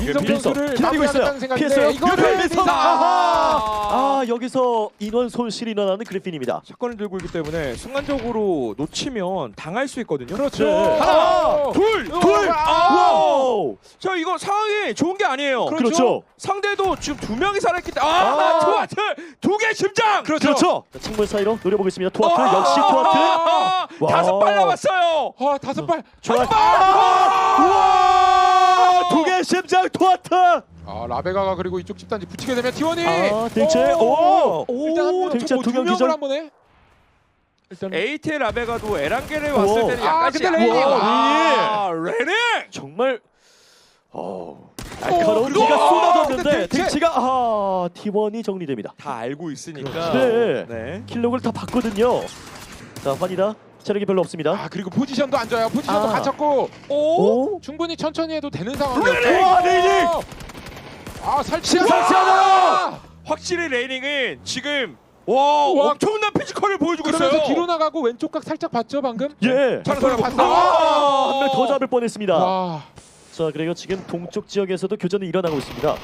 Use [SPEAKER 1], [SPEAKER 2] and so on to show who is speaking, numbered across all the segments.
[SPEAKER 1] 민성 선수를
[SPEAKER 2] 기다리고 있어요.
[SPEAKER 1] 마무리하겠다는 생각인데
[SPEAKER 2] 피했어요.
[SPEAKER 1] 이거를
[SPEAKER 2] 민성.
[SPEAKER 1] 아하!
[SPEAKER 2] 여기서 인원 손실이 일어나는 그리핀입니다.
[SPEAKER 3] 샷건을 들고 있기 때문에 순간적으로 놓치면 당할 수 있거든요.
[SPEAKER 1] 그렇죠.
[SPEAKER 2] 네.
[SPEAKER 3] 하나, 둘.
[SPEAKER 2] 와우.
[SPEAKER 3] 자, 이거 상황이 좋은 게 아니에요.
[SPEAKER 2] 그렇죠.
[SPEAKER 3] 상대도 지금 2명이 살아있기 때문에
[SPEAKER 2] 아.
[SPEAKER 3] 투하트 2개 심장.
[SPEAKER 1] 그렇죠.
[SPEAKER 2] 자, 창문 사이로 노려보겠습니다. 투하트 역시 투하트. 와.
[SPEAKER 3] 5발 남았어요.
[SPEAKER 1] 아, 5발.
[SPEAKER 2] 좋아.
[SPEAKER 3] 와!
[SPEAKER 2] 2개 심장 투하트.
[SPEAKER 1] 아, 라베가가 그리고 이쪽 집단지 붙이게 되면 T1이
[SPEAKER 2] 대체 오.
[SPEAKER 1] 일단 한 명,
[SPEAKER 2] 대체
[SPEAKER 1] 두
[SPEAKER 2] 2명
[SPEAKER 1] 명을
[SPEAKER 2] 기절.
[SPEAKER 1] 한 번에 일단
[SPEAKER 3] ATL 라베가도 에란겔에 왔을
[SPEAKER 2] 오.
[SPEAKER 3] 때는
[SPEAKER 1] 아,
[SPEAKER 3] 약간
[SPEAKER 1] 근데 레이닝.
[SPEAKER 3] 레닝.
[SPEAKER 2] 정말 날카로운
[SPEAKER 1] 그리고-
[SPEAKER 2] 기가 쏟아졌는데
[SPEAKER 1] 근데 대체-
[SPEAKER 2] 대치가 T1이 정리됩니다.
[SPEAKER 3] 다 알고 있으니까.
[SPEAKER 2] 네.
[SPEAKER 3] 네.
[SPEAKER 2] 킬록을 다 봤거든요. 자, 환이다. 체력이 별로 없습니다.
[SPEAKER 1] 아, 그리고 포지션도 안 좋아요. 포지션도
[SPEAKER 2] 아.
[SPEAKER 1] 갇혔고
[SPEAKER 2] 오.
[SPEAKER 1] 충분히 천천히 해도 되는
[SPEAKER 3] 레이닝!
[SPEAKER 1] 상황이었죠.
[SPEAKER 2] 레이닝!
[SPEAKER 1] 아, 설치하다.
[SPEAKER 2] 설치하다!
[SPEAKER 3] 확실히 레이닝은 지금 와
[SPEAKER 1] 우와.
[SPEAKER 3] 엄청난 피지컬을 보여주고
[SPEAKER 1] 그러면서
[SPEAKER 3] 있어요.
[SPEAKER 1] 뒤로 나가고 왼쪽 각 살짝 봤죠 방금?
[SPEAKER 2] 예.
[SPEAKER 3] 봤어요.
[SPEAKER 2] 한 명 더 잡을 뻔했습니다.
[SPEAKER 1] 와.
[SPEAKER 2] 자, 그리고 지금 동쪽 지역에서도 교전이 일어나고 있습니다.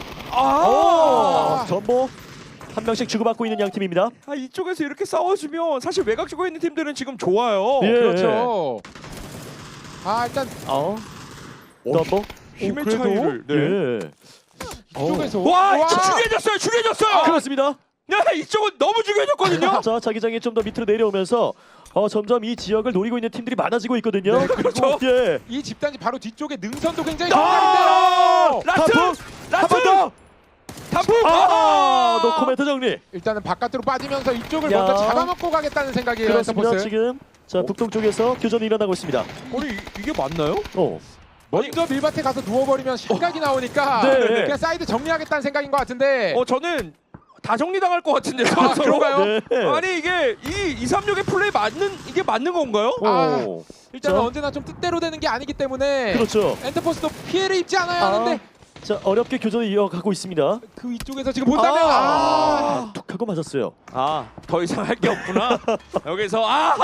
[SPEAKER 2] 전보 한 명씩 주고받고 있는 양 팀입니다.
[SPEAKER 3] 이쪽에서 이렇게 싸워주면 사실 외곽 쪽에 있는 팀들은 지금 좋아요.
[SPEAKER 2] 예.
[SPEAKER 1] 그렇죠. 아, 일단
[SPEAKER 2] 전보.
[SPEAKER 3] 힘의
[SPEAKER 1] 그래도?
[SPEAKER 3] 차이를. 네.
[SPEAKER 2] 예.
[SPEAKER 1] 이쪽에서
[SPEAKER 3] 와, 중요해졌어요.
[SPEAKER 2] 그렇습니다.
[SPEAKER 3] 야, 이쪽은 너무 중요해졌거든요.
[SPEAKER 2] 자, 자기장이 좀 더 밑으로 내려오면서 점점 이 지역을 노리고 있는 팀들이 많아지고 있거든요.
[SPEAKER 1] 네,
[SPEAKER 3] 그렇죠.
[SPEAKER 2] 예.
[SPEAKER 1] 이 집단지 바로 뒤쪽에 능선도 굉장히
[SPEAKER 3] 아!
[SPEAKER 1] 강한데요.
[SPEAKER 3] 라스!
[SPEAKER 2] 한 번 더.
[SPEAKER 3] 단풍!
[SPEAKER 2] 노코멘트 정리.
[SPEAKER 1] 일단은 바깥으로 빠지면서 이쪽을
[SPEAKER 2] 야.
[SPEAKER 1] 먼저 잡아먹고 가겠다는 생각이에요.
[SPEAKER 2] 그렇습니다.
[SPEAKER 1] 엔터포스.
[SPEAKER 2] 지금 자, 북동쪽에서 교전이 일어나고 있습니다.
[SPEAKER 3] 아니 이게 맞나요?
[SPEAKER 1] 먼저 밀밭에 가서 누워버리면 실각이 나오니까
[SPEAKER 2] 네.
[SPEAKER 1] 그냥 사이드 정리하겠다는 생각인 것 같은데.
[SPEAKER 3] 저는 다 정리당할 것 같은데요.
[SPEAKER 1] 아, 그런가요?
[SPEAKER 2] 네.
[SPEAKER 3] 아니 이게 이 236의 플레이 맞는 건가요?
[SPEAKER 1] 아,
[SPEAKER 2] 오.
[SPEAKER 1] 일단은
[SPEAKER 2] 자.
[SPEAKER 1] 언제나 좀 뜻대로 되는 게 아니기 때문에
[SPEAKER 2] 그렇죠.
[SPEAKER 1] 엔터포스도 피해를 입지 않아야 하는데
[SPEAKER 2] 자, 어렵게 교전을 이어가고 있습니다.
[SPEAKER 1] 그 위쪽에서 지금 본다면
[SPEAKER 2] 툭 하고 맞았어요.
[SPEAKER 3] 더 이상 할 게 없구나. 여기서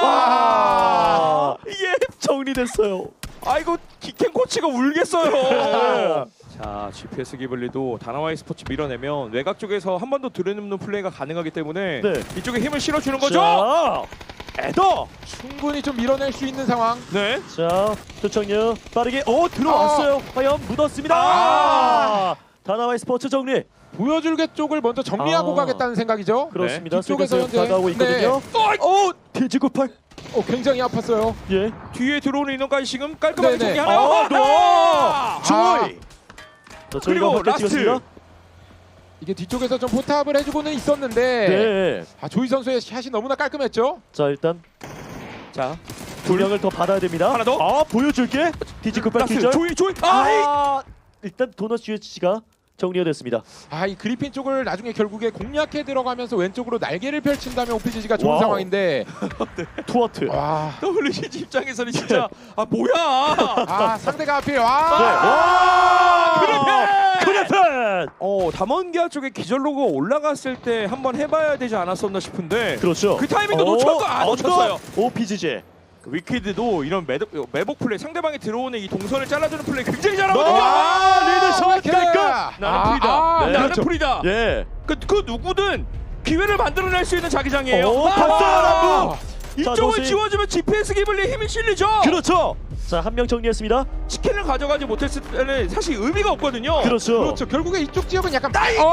[SPEAKER 2] 이게 정리됐어요.
[SPEAKER 3] 아이고 기켄 코치가 울겠어요. 자, GPS 기블리도 다나와이 스포츠 밀어내면 외곽 쪽에서 한 번 더 들여놓는 플레이가 가능하기 때문에
[SPEAKER 2] 네.
[SPEAKER 3] 이쪽에 힘을 실어주는 거죠.
[SPEAKER 2] 자,
[SPEAKER 3] 에더.
[SPEAKER 1] 충분히 좀 밀어낼 수 있는 상황.
[SPEAKER 3] 네.
[SPEAKER 2] 자, 조청유 빠르게 들어왔어요. 과연 묻었습니다. 다나와이 스포츠 정리.
[SPEAKER 1] 보여줄게 쪽을 먼저 정리하고
[SPEAKER 2] 아.
[SPEAKER 1] 가겠다는 생각이죠.
[SPEAKER 2] 그렇습니다.
[SPEAKER 1] 뒤쪽에서
[SPEAKER 2] 슬슬 다가오고 있거든요. TG98.
[SPEAKER 1] 굉장히 아팠어요.
[SPEAKER 2] 예.
[SPEAKER 3] 뒤에 들어오는 인원까지 지금 깔끔하게
[SPEAKER 1] 네네.
[SPEAKER 3] 정리하나요?
[SPEAKER 2] 조이. 자, 저희가
[SPEAKER 3] 그리고
[SPEAKER 2] 밖에
[SPEAKER 3] 라스트.
[SPEAKER 2] 찍었습니다.
[SPEAKER 1] 이게 뒤쪽에서 좀 포탑을 해주고는 있었는데
[SPEAKER 2] 네.
[SPEAKER 1] 조이 선수의 샷이 너무나 깔끔했죠.
[SPEAKER 2] 자, 일단
[SPEAKER 3] 자,
[SPEAKER 2] 두 명을 더 받아야 됩니다.
[SPEAKER 3] 하나 더.
[SPEAKER 2] 보여줄게. TG98
[SPEAKER 3] 라스
[SPEAKER 2] 기절.
[SPEAKER 3] 조이.
[SPEAKER 2] 일단 도넛 UHC가 정리가 됐습니다.
[SPEAKER 1] 이 그리핀 쪽을 나중에 결국에 공략해 들어가면서 왼쪽으로 날개를 펼친다면 OPGG가 좋은
[SPEAKER 2] 와우.
[SPEAKER 1] 상황인데
[SPEAKER 2] 투어트.
[SPEAKER 1] 와,
[SPEAKER 3] WCG 입장에서는 진짜 뭐야?
[SPEAKER 1] 상대가 앞에
[SPEAKER 2] 네. 그래펜.
[SPEAKER 3] 담원기아 쪽에 기절로가 올라갔을 때 한번 해봐야 되지 않았었나 싶은데
[SPEAKER 2] 그렇죠.
[SPEAKER 3] 그 타이밍도 놓쳤어요.
[SPEAKER 2] OPGG.
[SPEAKER 3] 위키드도 이런 매복 플레이, 상대방이 들어오는 이 동선을 잘라주는 플레이 굉장히 잘하거든요.
[SPEAKER 2] 리드 샷 깔끔.
[SPEAKER 3] 나는 풀이다.
[SPEAKER 2] 네.
[SPEAKER 3] 나는
[SPEAKER 2] 그렇죠.
[SPEAKER 3] 풀이다.
[SPEAKER 2] 예.
[SPEAKER 3] 그 누구든 기회를 만들어낼 수 있는 자기장이에요.
[SPEAKER 2] 봤어요.
[SPEAKER 3] 이쪽을
[SPEAKER 2] 도시.
[SPEAKER 3] 지워주면 GPS 기블리에 힘이 실리죠.
[SPEAKER 2] 그렇죠. 자, 한 명 정리했습니다.
[SPEAKER 3] 치킨을 가져가지 못했을 때는 사실 의미가 없거든요.
[SPEAKER 2] 그렇죠.
[SPEAKER 1] 결국에 이쪽 지역은 약간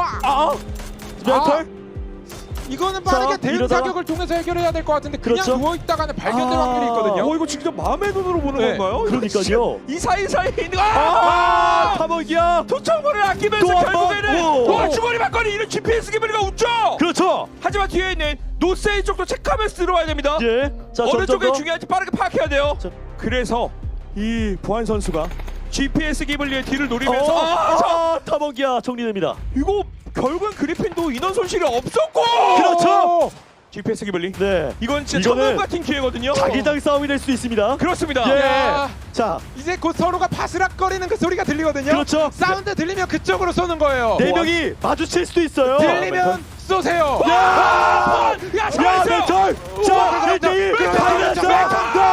[SPEAKER 2] 멘탈.
[SPEAKER 1] 이거는 빠르게 대응
[SPEAKER 2] 이러다가-
[SPEAKER 1] 사격을 통해서 해결해야 될 것 같은데 그냥
[SPEAKER 2] 그렇죠.
[SPEAKER 1] 누워 있다가는 발견될 확률이 있거든요.
[SPEAKER 3] 이거 진짜 마음의 눈으로 보는
[SPEAKER 1] 네.
[SPEAKER 3] 건가요?
[SPEAKER 2] 그러니까요.
[SPEAKER 3] 이 사이사이 있는
[SPEAKER 2] 타먹이야.
[SPEAKER 3] 도청거를 아끼면서
[SPEAKER 2] 또 한 번.
[SPEAKER 3] 결국에는 주머니 받거니 이런 GPS 기블리가 웃죠.
[SPEAKER 2] 그렇죠.
[SPEAKER 3] 하지만 뒤에 있는 노세이 쪽도 체크하면서 들어와야 됩니다.
[SPEAKER 2] 예. 자,
[SPEAKER 3] 어느
[SPEAKER 2] 점점
[SPEAKER 3] 쪽이
[SPEAKER 2] 더.
[SPEAKER 3] 중요한지 빠르게 파악해야 돼요.
[SPEAKER 2] 자.
[SPEAKER 3] 그래서 이 보안 선수가 GPS 기블리의 뒤를 노리면서
[SPEAKER 2] 타먹이야 정리됩니다.
[SPEAKER 3] 이거 결국은 그리핀도 인원 손실이 없었고
[SPEAKER 2] 그렇죠.
[SPEAKER 3] GPS 기블리
[SPEAKER 2] 네.
[SPEAKER 3] 이건 진짜
[SPEAKER 2] 이거는
[SPEAKER 3] 천국 같은 기회거든요.
[SPEAKER 2] 자기장 싸움이 될 수 있습니다.
[SPEAKER 3] 그렇습니다.
[SPEAKER 2] 예.
[SPEAKER 1] 야.
[SPEAKER 2] 자,
[SPEAKER 1] 이제 곧 서로가 바스락거리는 그 소리가 들리거든요.
[SPEAKER 2] 그렇죠.
[SPEAKER 1] 사운드 들리면 그쪽으로 쏘는 거예요.
[SPEAKER 2] 네 명이 마주칠 수도 있어요.
[SPEAKER 1] 들리면 쏘세요.
[SPEAKER 3] 야,
[SPEAKER 2] 야,
[SPEAKER 3] 잘했어요.
[SPEAKER 2] 멘탈. 자, 1대1
[SPEAKER 1] 멘탈.
[SPEAKER 2] 파이널스.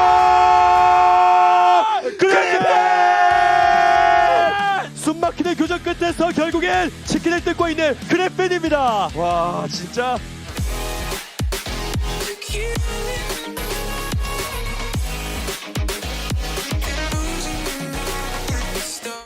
[SPEAKER 2] 그래. 숨막히는 교전 끝에서 결국엔 치킨을 뜯고 있는 그래핀입니다.
[SPEAKER 3] 와 진짜